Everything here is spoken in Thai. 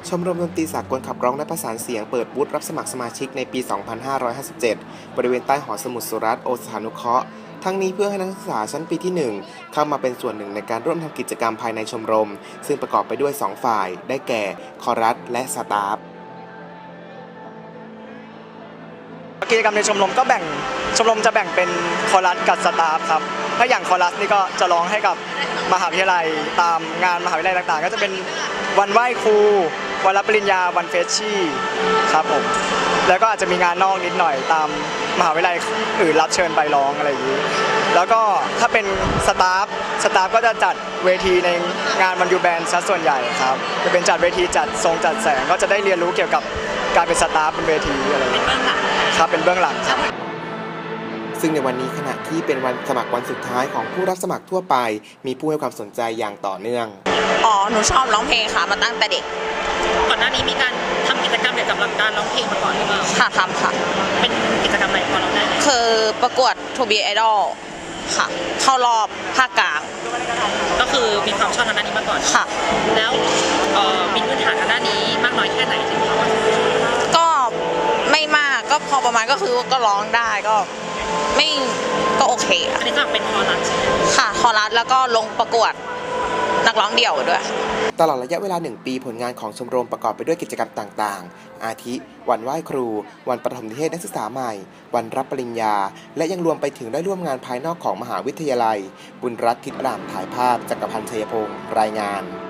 ชมรมดนตรีสากลขับร้องและประสานเสียงเปิดบูธรับสมัครสมาชิกในปี 2557 บริเวณใต้หอสมุดสุรัตน์โอสถานุเคราะห์ทั้งนี้เพื่อให้นักศึกษาชั้นปีที่ 1 เข้ามาเป็นส่วนหนึ่งในการร่วมทำกิจกรรมภายในชมรมซึ่งประกอบไปด้วย 2 ฝ่าย ได้แก่คอรัสและสตาฟกิจกรรมในชมรมจะแบ่งเป็นคอรัสกับสตาฟครับถ้าอย่างคอรัสนี่ก็จะร้องให้กับมหาวิทยาลัยตามงานมหาวิทยาลัยต่างๆก็จะเป็นวันไหว้ครูวันรับปริญญาวันเฟชชี่ครับผมแล้วก็อาจจะมีงานนอกนิดหน่อยตามมหาวิทยาลัยอื่นรับเชิญไปร้องอะไรอย่างนี้แล้วก็ถ้าเป็นสตาฟก็จะจัดเวทีในงานวันยูแบนซะส่วนใหญ่ครับจะเป็นจัดเวทีจัดทรงจัดแสงก็จะได้เรียนรู้เกี่ยวกับการเป็นสตาฟบนเวทีอะไรอย่างนี้ครับเป็นเบื้องหลังครับซึ่งในวันนี้ขณะที่เป็นวันสมัครวันสุดท้ายของผู้รับสมัครทั่วไปมีผู้ให้ความสนใจอย่างต่อเนื่องหนูชอบร้องเพลงค่ะมาตั้งแต่เด็กก่อนหน้านี้มีการทำกิจกรรมเกี่ยวกับการร้องเพลงมาก่อนหรือเปล่าค่ะทำค่ะเป็นกิจกรรมอะไรพอเราได้คือประกวด To Be Idol ค่ะเข้ารอบภาคกลางก็คือมีความชอบทางด้านนี้มาก่อนค่ะแล้วมีพื้นฐานทางด้านนี้มากน้อยแค่ไหนถึงเราก็ไม่มากก็พอประมาณก็คือก็ร้องได้ก็ไม่ก็โอเคอันนี้ก็เป็นคอรัสใช่ไหมค่ะคอรัสแล้วก็ลงประกวดนักร้องเดี่ยวด้วยตลอดระยะเวลา1 ปีผลงานของชมรมประกอบไปด้วยกิจกรรมต่างๆอาทิวันไหว้ครูวันประถมนิเทศนักศึกษาใหม่วันรับปริญญาและยังรวมไปถึงได้ร่วมงานภายนอกของมหาวิทยาลัยบุญรัตน์ทิศรามถ่ายภาพจักรพันธ์ชัยพงศ์รายงาน